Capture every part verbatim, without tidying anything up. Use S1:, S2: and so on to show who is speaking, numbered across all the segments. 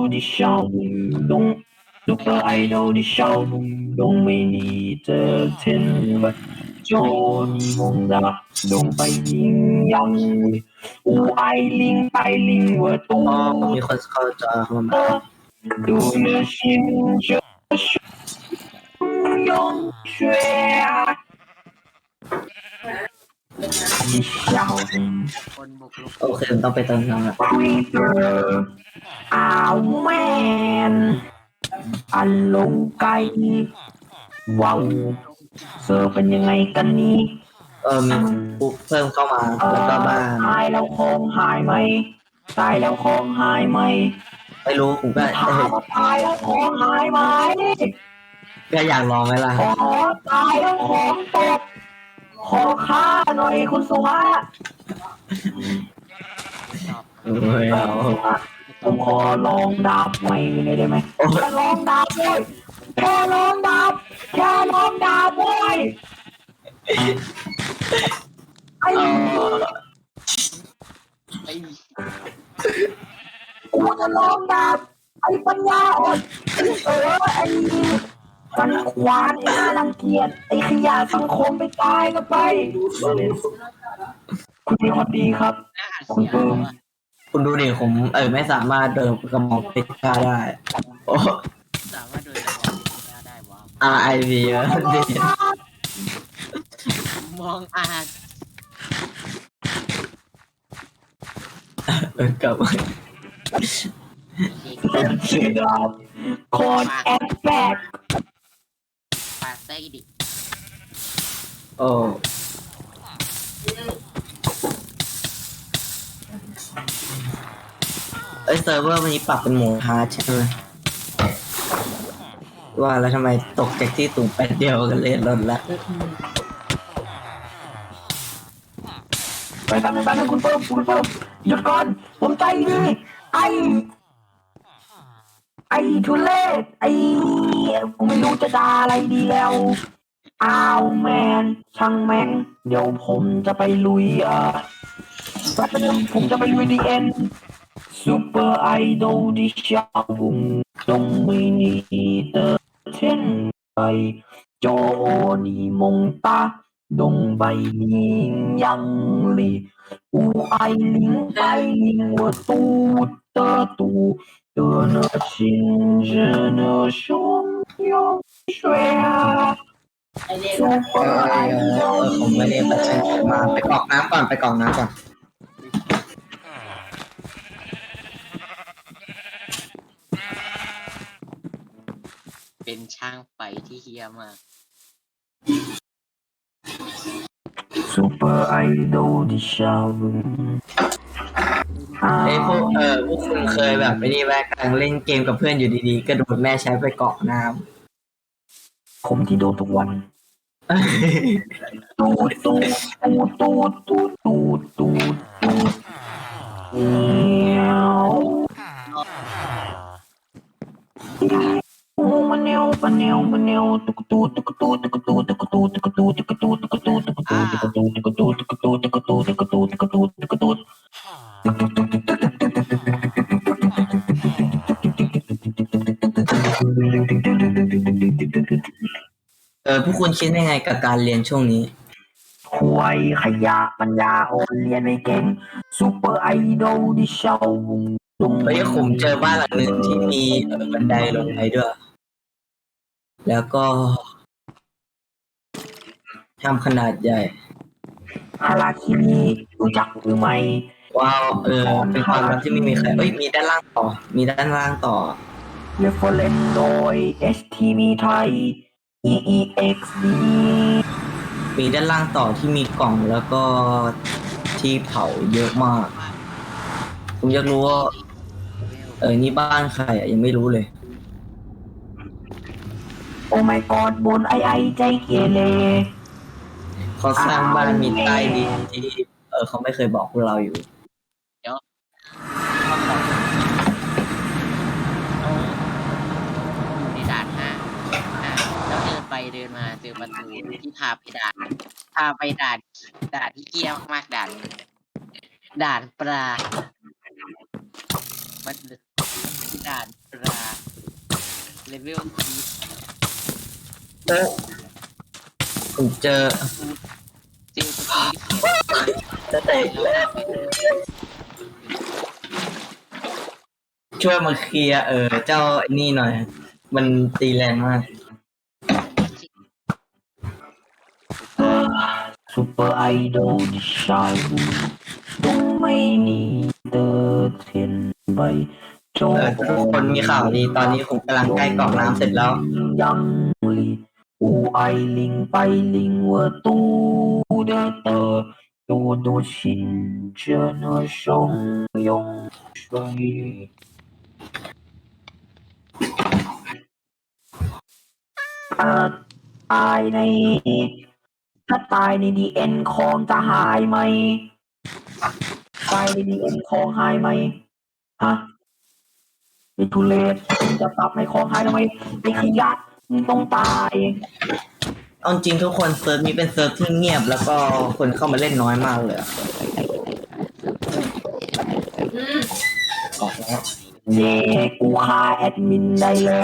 S1: idol 的小舞动，Super idol 的小舞动，美丽的天分，就你梦的动ไปยิ่งยัง无爱令带领我
S2: อ๋อ
S1: 读
S2: มีคนเข้าจอเข้ามา
S1: 的读的心就用血的小舞
S3: คนบุกรุก
S2: โอเคต้องไปเติมน้ำละ
S1: Creeper อ้าวแมนอันลงไกว้าวเซอร์เป็นยังไงกันนี่
S2: เออมีปุ๊บเพิ่มเข้ามา
S1: เอ
S2: แล้ว
S1: อ
S2: ก็บ้าน
S1: ตายแล้วของหายไหมตายแล้วของหายไหม
S2: ไม่รู้ผมก็
S1: ถามว่าตายแล้วของหายไหม
S2: ก็อยากลองไหมล่ะ
S1: ขอตายแล้วของตกขอฆ่าหน่อยคุณสุภาพ
S3: ชอบ
S2: เออเอา
S1: ผมขอลองดาบใหม่เลยได้ไหม
S2: โอ้ย
S1: แค่ลองดาบเว้ยแค่ลองดาบแค่ลองดาบเว้ยไอ้
S3: ไอ้
S1: กูจะลองดาบไอ้ปัญญาอ่อนเออไอ้ฟันควานไอ้น่ารังเกียจไอ้ขยะสังคมไปตายก็ไปคุณเป็นคนดีครับ
S3: หน้า
S1: คุณ
S3: เสีย
S1: เพิ่ม
S3: ว่ะ
S2: คุณดูดิผมเออไม่สามารถเดินกระหม่อมเพชรกล้าได้ โอ้
S3: สามารถโดยระวังได้ได้ว้าว
S2: อาร์ไอวีดิ
S3: มองอาจ
S2: เออกลับมา
S1: ชื่อดาบโคดแอดแบก
S3: ปาไส้ดิ
S2: โอ้เอ้ยเซิร์ฟเวอร์วันนี้ปรับเป็นโหมดฮาร์ดใช่ไหมว่าแล้วทำไมตกจากที่สูงแป๊บเดียวกันเลยลดละ
S1: ไปทำไปทำคุณเพิ่มคุณเพิ่มหยุดก่อนผมใจดีไอไอทุเรศไอผมไม่รู้จะด่าอะไรดีแล้วอ้าวแมนช่างแม่งเดี๋ยวผมจะไปลุยเอ่อแป๊บนึงผมจะไปลุยดีเอ็นซูเปอร์ไอดอลที่ชาวบุงตรงไม่นีเตอร์เช่นไปโจนีมงตาดงใบนี้ยังลีอูไอลิงไปลิงว่าตูเตอตูเตอเนอชินเจเนอชงยงช่วยซูเปอร์ไอ
S2: เอ
S1: ดอล
S2: อผมไม่ได้ประชันมาไปกรอกน้ำก่อนไปกรอกน้ำก่อน
S3: เป็นช่างไฟที่เฮี้ยมาก
S1: ซูเปอร์ไอดอลที่ชาวบุง
S2: ไอ้พวกเออพวกคุณเคยแบบไอ้นี่แวะกำลังเล่นเกมกับเพื่อนอยู่ดีๆก็โดนแม่ใช้ไปเกาะน้
S1: ผมที่โดนทุกวัน
S2: ำ
S1: ตูดตูดตูดตูดตูดตูดตูดตูดเงี้ยวโอ้มันเนวมันเนวมันเนวตุกตูตุกตูตุกตูตุกตูตุกตูตุกตูตุกตูตุกตูตุกตูตุกตูตุกตูตุกตูตุกตูตุกตูตุกตู
S2: เออพวกคุณคิดยังไงกับการเรียนช่วงนี้
S1: ควยขยะปัญญาอ่อนเรียนไม่เก่งซูเปอร์ไอดอลที่ชาวบุงตรง
S2: เฮ้ยผมเจอบ้านหลังหนึ่งที่มีเอ่อบันไดลงไปด้วย แล้วก็ทำขนาดใหญ่
S1: ฮาราคิมิรู้จักหรือไม่
S2: ว้าวเออเป็นความรักที่ไม่มีใครเอ้ยมีด้านล่างต่อ มีด้านล่างต่อ
S1: เรฟเฟอเรนซ์โดย เอส ที วี ไทย อี อี เอ็กซ์ ดี
S2: มีด้านล่างต่อที่มีกล่องแล้วก็ที่เผาเยอะมาก ผมอยากรู้ว่าเออนี่บ้านใครอ่ะยังไม่รู้เลย
S1: โอ้ my god บนไอไอใจเกเร
S2: เขาสร้างบ้านมีใต้ดินที่เออเขาไม่เคยบอกพวกเราอยู่
S3: อยู่ในด่านห้าอ่าแล้วเดินไปเดินมาเจอประตูที่พาไปด่าน พาไปด่านด่านที่เกี้ยวมากด่านด่านปลา มันด่านเวลที
S2: เออผมเจอ
S3: เจอประตูที่เขียน
S2: จะเตะ
S3: แล้ว
S2: แล้ว
S3: ไปดู
S2: ช่วยมาเคลียร์เออเจ้าไอ้นี่หน่อย มันตีแรงมาก
S1: ซูเปอร์ไอดอลที่ชายต้องไม่หนีเดินเทียนใบโจ
S2: เออทุกคนมีข่าวดีตอนนี้ผมกำลังใกล้กรอกน้ำเสร็จแล้ว
S1: ยังลีอูไอลิงไปลิงเวอร์ตูเดเตอ多多心着那汹涌水。ถ้าตายในถ้าตายในดีเอ็นคองจะหายไหมตายในดีเอ็นคองหายไหมฮะไอ้ทุเรศมึงจะตับในคองหายทำไมไอ้ขยะมึงต้องตาย
S2: เอาจริงทุกคนเซิร์ฟนี้เป็นเซิร์ฟที่เงียบแล้วก็คนเข้ามาเล่นน้อยมากเลยอะออกแล้ว
S1: เย่กูฆ่าแอดมินได้แล้ว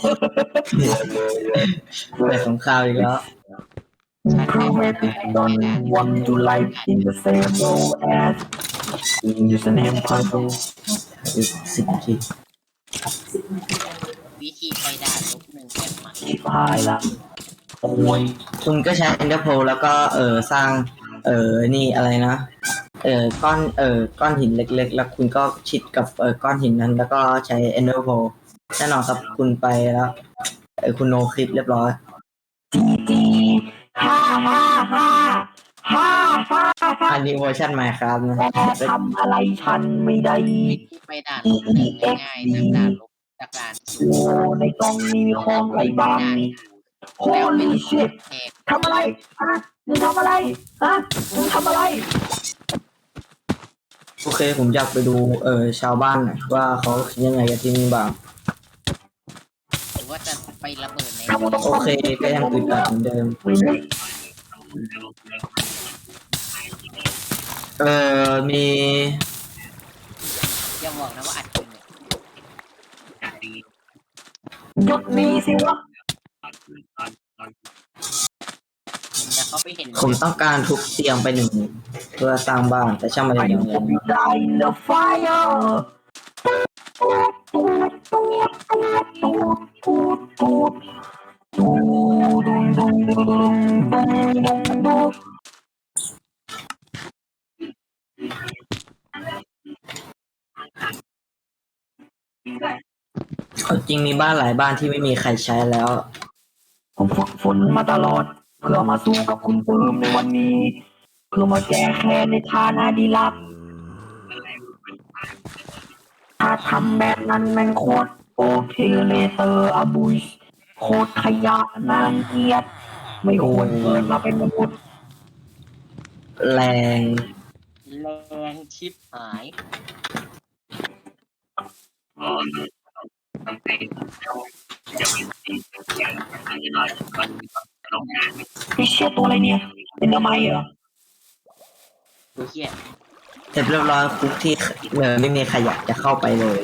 S2: เปิดสงครามอีกแล้ว
S1: Crewmates don't want to live in the same role as username puzzle
S2: อีกสิบนาที
S3: วิธีไปด่านลบหนึ่งแกนใหม่
S1: ชิบหายละโอ้ย
S2: คุณก็ใช้ Ender Pearl แล้วก็เออสร้าง เออนี่อะไรนะ เออก้อนเออก้อนหินเล็กๆ แล้วคุณก็ชิดกับเออก้อนหินนั้น แล้วก็ใช้ Ender Pearl แน่นอนครับคุณไปแล้วเออคุณโนคลิปเรียบร้อย
S1: จีจีฮ่าฮ่าฮ่าฮ่าฮ่าฮ่า
S2: อันนี้เวอร์ชันใหม่ครับนะ
S1: แกทำอะไรฉันไม่ได้
S3: วิธีไปด่านลบหนึ่งง่ายๆจากด่านลบจากด่าน
S1: โอ้ในกล่องนี้มีของอะไรบ้างนี่ Holy shit
S3: แหก
S1: ทำอะไรฮะมึงทำอะไรฮะมึงทำอะไร
S2: โอเคผมอยากไปดูเออชาวบ้านหน่อยว่าเขาคิดยังไงกับที่นี่บ้าง
S3: หรือว่าจะไประเบิดใน
S2: โอเคก็ยังอึดอัดเหมือนเดิม เออมี
S3: อย่าบอกนะว่าอัดจริงเนี่ย
S1: หยุดนี้สิวะ
S3: แต่เขาไปเห็น
S2: ผมต้องการทุบเตียงไปหนึ่งเพื่อสร้างบ้านแต่ช่างมัน
S1: ไอ้
S2: ยัง
S1: ผ
S2: ไง
S1: มได้เดอะไฟร์ตูดตูดตูดตูดตูดตูดตูดดุงดุงดุงดุงดุงดุงดุง
S2: เอาจริงมีบ้านหลายบ้านที่ไม่มีใครใช้แล้ว
S1: ผมฝึกฝนมาตลอด เพื่อมาสู้กับคุณปื้มในวันนี้ เพื่อมาแก้แค้นในฐานะดีลับ ถ้าทำแบบนั้นแม่งโคตรโอเคเลเตอร์อบุยโคตรขยะนางเกียดไม่ควรเกิดมาเป็นมนุษย์
S2: แรง
S3: แรงชิบหาย
S1: พี่เชี่ยตัวอะไรเนี่ย เป็นทำไมเหรอ
S3: ดูเฮีย
S2: เสร็จเรียบร้อยคุกที่เออไม่มีใครอยากจะเข้าไปเลย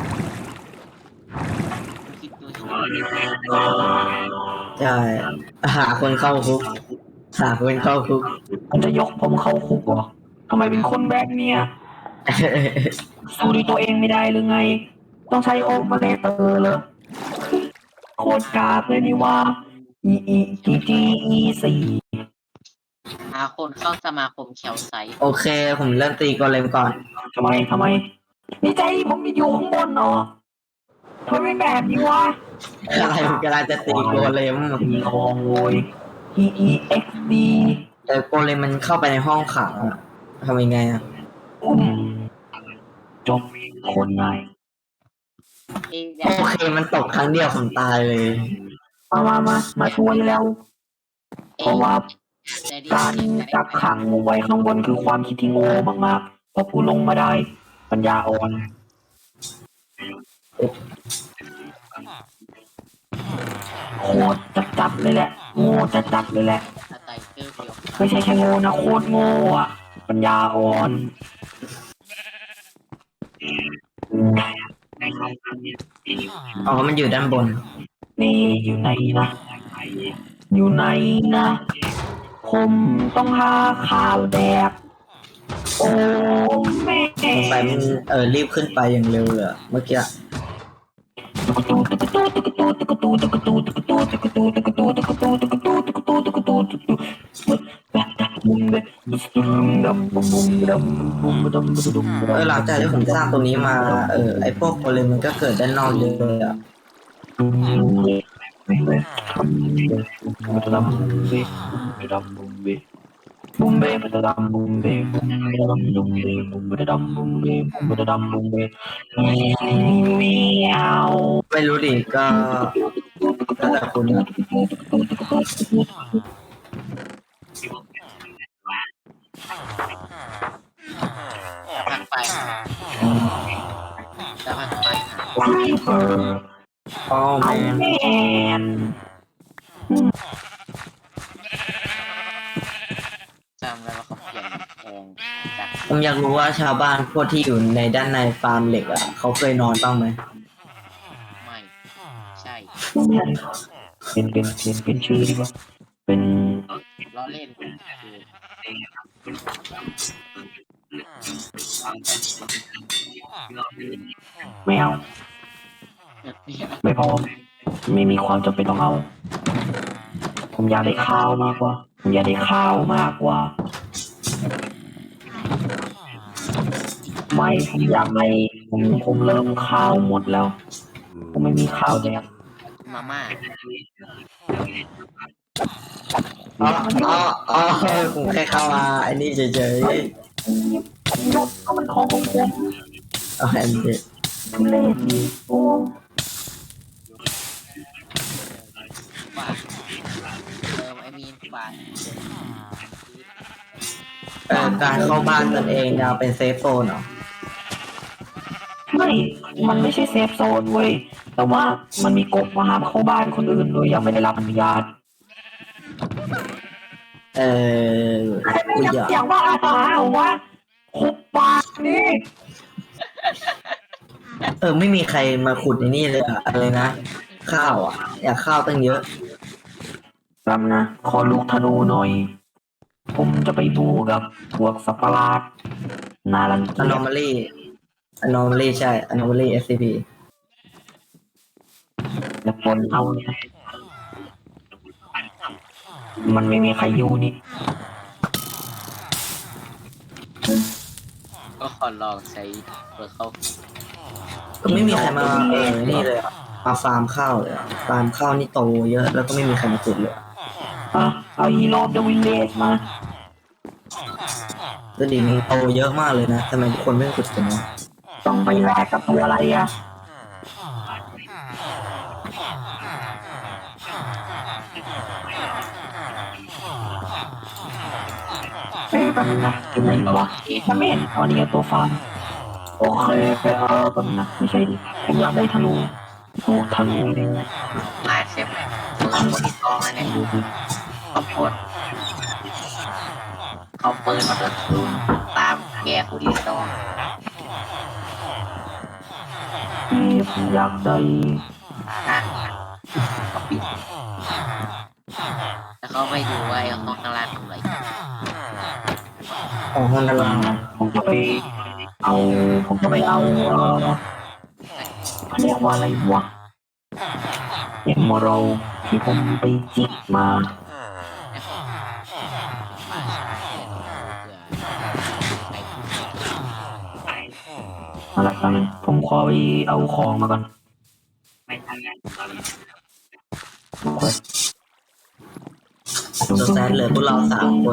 S3: ดูคิดดูคิด
S2: ใช่หาคนเข้าคุกหาคนเข้าคุก
S1: มันจะยกผมเข้าคุกเหรอทำไมเป็นคนแบบเนี้ยสู้ด้วยตัวเองไม่ได้หรือไง ต้องใช้โอเปอเรเตอร์เลยโคตรกากเลยนี่ว่า อีอีจีจีอีสี่
S3: หาคนเข้าสมาคมแคลไซต์
S2: โอเค ผมเริ่มตีกอเลมก่อน
S1: ทำไมทำไมนี่ใจผมอยู่ข้างบนเนาะทำไมเป็นแบบนี้วะ
S2: อะไรผมกำลังจะตีโกเลม
S1: มีของโวย อีอีเอ็กซ์ดี
S2: แต่โกเลมมันเข้าไปในห้องขังอะทำยังไงอะ
S1: อุ้มจบคนง่าย
S3: เอ้ย
S2: โอเคมันตกครั้งเดียวผมตายเลย
S1: มามามามาช่วยแล้ว เพราะว่า
S3: แต่ดี
S1: การจับขังไว้ข้างบนคือความคิดที่โง่มากๆเพราะกูลงมาได้ ปัญญาอ่อนโคตรจัดจัดเลยแหละ โง่จัดจัดเลยแหละ
S3: สไตเกอร์เดียว
S1: ไม่ใช่แค่โง่นะโคตรโง่อะปัญญาอ่อน
S2: อ๋อมันอยู่ด้านบน
S1: นี่อยู่ไหนนะอยู่ไหนนะผมต้องหาข่าวแดกโอ้แม่
S2: สงสัยมันเออรีบขึ้นไปอย่างเร็วเลยอะเมื่อกี้ เออหลังจากที่ผมสร้างตรงนี้มาเออไอพวกโกเลมมันก็เกิดด้านนอกเยอะเลยอ่ะ
S1: บุมเบ้มันจะดำบุมเบ้บุมเบ้ดำบุมเบ้บุมเบ้ดำบุมเบ้บุมเบ้ดำบุมเบ้มีเอา
S2: ไม่รู้ดิก็แล้วแต่คุณนะ
S3: พักไปจะพักไปหา
S1: ไฟเฟอร์
S2: อ๋อ
S1: ไอ
S2: แมน
S1: แมน
S3: จำได้ว่าเขาเปลี่ยนแปลงจาก
S2: ผมอยากรู้ว่าชาวบ้านพวกที่อยู่ในด้านในฟาร์มเหล็กอ่ะเขาเคยนอนบ้างไหม
S3: ไม่ใช่
S1: เป็นเป็นเป็นเป็นชื่อดีกว่าเป็น
S3: ล้อเล่นคือ
S1: ไม่เอาไม่พอไม่มีความจำเป็นต้องเอา ผมอยากได้ข้าวมากกว่าผมอยากได้ข้าวมากกว่า ไม่ผมอยากได้ผมผมเริ่มข้าวหมดแล้ว ผมไม่มีข้าวแดก
S3: มาม่า
S2: อ๋ออ๋ออ๋อผมแค่เข้ามาไอ้นี่เฉย
S1: ยกก็มันของของผม
S2: ๆเอาแอนดี้
S1: ทุเล่นนี่โอ้
S3: บาทเติมไอมีนบาท
S2: เออการเข้าบ้านตนเองดาวเป็นเซฟโซนเหรอ
S1: ไม่มันไม่ใช่เซฟโซนเว้ยแต่ว่ามันมีกฎว่าห้ามเข้าบ้านคนอื่นโดยยังไม่ได้รับอนุญาต
S2: เออ
S1: ใครไม่
S2: กู
S1: อยาก
S2: อยาก
S1: เสียงว่าอาหารวะคุบปากนี่
S2: เออไม่มีใครมาขุดในนี่เลยอะอะไรนะข้าวอ่ะ อยากข้าวตั้งเยอะ
S1: แป๊บนะ ขอลูกธนูหน่อย ผมจะไปดูกับพวกสัตว์ประหลาดนารังเกียจ
S2: anomaly anomaly ใช่ anomaly เอส ซี พี
S1: และคนเอาเนี่ยมันไม่มีใครอยู่นี่
S3: ก็ขอลองใช้เปิดเขา
S2: ก็ไม่มีใครมาเออนี่เลยอะมาฟาร์มข้าวเลยอะฟาร์มข้าวนี่โตเยอะแล้วก็ไม่มีใครมาขุดเลยอะ
S1: อ่ะเอาฮีโร่เดอะวิลเลจมา
S2: แล้วดิมันโตเยอะมากเลยนะทำไมทุกคนไม่ขุดกันวะ
S1: ต้องไปแลกกับตัวอะไรอ่ะเอ๊ะแป๊บนึงนะอยู่ไหนวะมันไม่เห็นเอานี่ตัวฟาร์มโอเคไปเอาแป๊บนึงนะไม่ใช่ดิผมอยากได้ธนูโอ้ธนูนี่
S3: มาเซฟมือคนที่สองแล้วเนี่ยขอบคุณเอาปืนมาเปิดตูนตามแกคนที่สอง
S1: ที่ผมอยากได้
S3: นะก็ปิดแล้วเขาไปดูว่าไอ้ห้องข้างล่างทำอะไร
S2: ของห้องด้านล่าง
S1: ผมจะไปเอาผมจะไปเอาเออเขาเรียกว่าอะไรวะเอ็มโมโรที่ผมไปจิกมา อะไรกันผมขอไปเอาของมาก่อนโอเค
S2: ตัวแซนเหลือพวกเราสามคน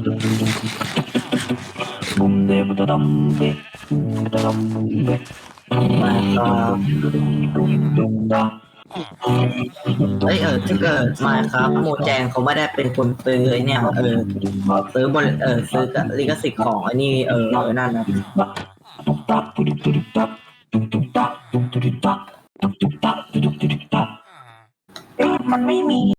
S1: บุมเดบุตะดำเดบุมตะดำบุมเด
S2: มาก็
S1: บุมดุมดา
S2: เอ้ยเออถ้าเกิดมาครับโมแจงเขาไม่ได้เป็นคนซื้อไอ้เนี่ยเออซื้อบริเออซื้อลิขสิทธิ์ของไอ้นี่เออนั่นนะ
S1: ตุ๊กตักตุ๊กตุ๊กตักตุ๊กตุ๊กตักตุ๊กตุ๊กตักตุ๊กตุ๊กตักตุ๊กตุ๊กตักเอ๊ะมันไม่มี